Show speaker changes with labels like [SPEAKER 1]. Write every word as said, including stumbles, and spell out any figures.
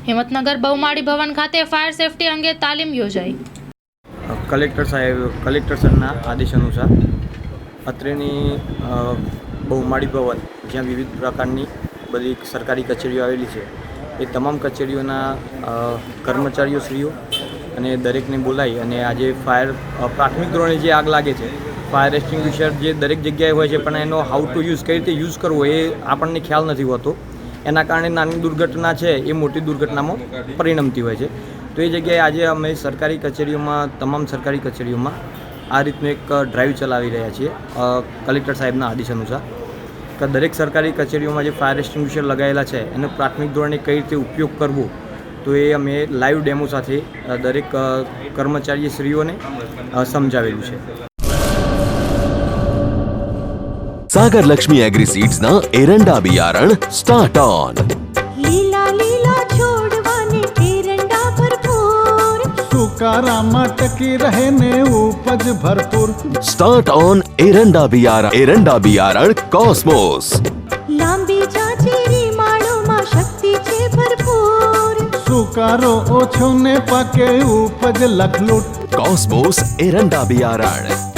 [SPEAKER 1] હિંમતનગર બહુમાળી ભવન ખાતે fire safety અંગે તાલીમ યોજાઈ.
[SPEAKER 2] કલેક્ટર સાહેબ કલેક્ટર સરના આદેશ અનુસાર અત્રેની બહુમાળી ભવન જ્યાં વિવિધ પ્રકારની બધી સરકારી કચેરીઓ આવેલી છે એ તમામ કચેરીઓના કર્મચારીઓ શ્રીઓ અને દરેકને બોલાવી અને આજે ફાયર પ્રાથમિક ધોરણે જે આગ લાગે છે ફાયર એક્સટિંગ્વિશર જે દરેક જગ્યાએ હોય છે પણ એનો હાઉ ટુ યુઝ કઈ રીતે યુઝ કરવો એ આપણને ખ્યાલ નથી હોતો. એના કારણે નાની દુર્ઘટના છે એ મોટી દુર્ઘટનામાં પરિણમતી હોય છે. તો એ જગ્યાએ આજે અમે સરકારી કચેરીઓમાં તમામ સરકારી કચેરીઓમાં આ રીતનું એક ડ્રાઈવ ચલાવી રહ્યા છીએ કલેક્ટર સાહેબના આદેશ અનુસાર કે દરેક સરકારી કચેરીઓમાં જે ફાયર એક્સટિંગ્વિશર લગાવેલા છે એનો પ્રાથમિક ધોરણે કઈ રીતે ઉપયોગ કરવો તો એ અમે લાઈવ ડેમો સાથે દરેક કર્મચારીશ્રીઓને સમજાવેલું છે.
[SPEAKER 3] सागर लक्ष्मी एग्रीसीड्स ना एरंडा बियारण स्टार्ट ऑन.
[SPEAKER 4] લીલા લીલા છોડવાને એરંડા ભરપૂર
[SPEAKER 5] સુકારામાં ટકી રહે ને ઉપજ ભરપૂર.
[SPEAKER 3] स्टार्ट ऑन एरंडा बियारण एरंડા बियारण कॉस्मोस.
[SPEAKER 4] લાંબી જાચેરી માળોમાં શક્તિ છે ભરપૂર.
[SPEAKER 5] સુકારો ઓછો ને પાકે ઉપજ લખલૂટ.
[SPEAKER 3] कॉस्मोस एरंડા बियारण.